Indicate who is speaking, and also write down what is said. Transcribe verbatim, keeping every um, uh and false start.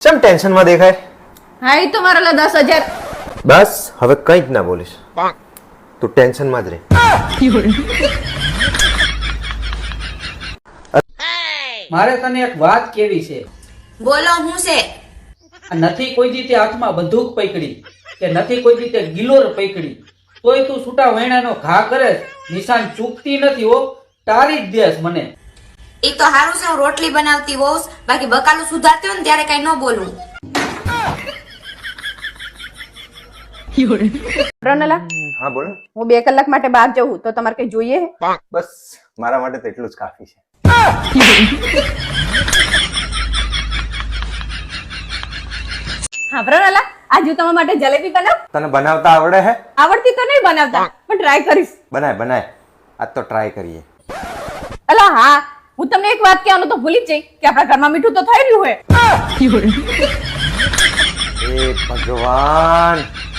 Speaker 1: ચમ ટેન્શન માં દેખાય?
Speaker 2: હા એ તો મારા લા દસ હજાર.
Speaker 1: બસ હવે કંઈ જ ના બોલીશ. તું ટેન્શન માં જ રહે.
Speaker 3: મારે તને એક વાત કેવી છે.
Speaker 4: બોલો હું છે?
Speaker 3: નથી કોઈ દી તે હાથમાં બંદૂક પકડી કે નથી કોઈ દી તે ગિલોર પકડી, તોય તું છૂટા વૈણાનો ઘા કરે, નિશાન ચૂકતી નથી હો, તારી જ દેશ મને.
Speaker 4: એ તો હારું છે હું રોટલી બનાવતી હોઉં, બાકી બકાલું સુધારતી હોય ને ત્યારે કઈ ન બોલું.
Speaker 2: રનલા,
Speaker 1: હા બોલ.
Speaker 2: હું બે કલાક માટે બહાર જવું તો તમારે કઈ જોઈએ?
Speaker 1: બસ મારા માટે તો એટલું જ કાફી છે.
Speaker 2: હા રનલા, આજ હું તમારા માટે જલેબી બનાવ.
Speaker 1: તને બનાવતા આવડે હે?
Speaker 2: આવડતી તો નહીં બનાવતા, પણ ટ્રાય કરીશ.
Speaker 1: બનાય બનાય, આજ તો ટ્રાય કરીએ.
Speaker 2: અલા હા, હું તમને એક વાત કહેવાનું તો ભૂલી જ જઈ કે આપણા ઘરમાં મીઠું તો થઈ રહ્યું હોય.
Speaker 1: એ ભગવાન,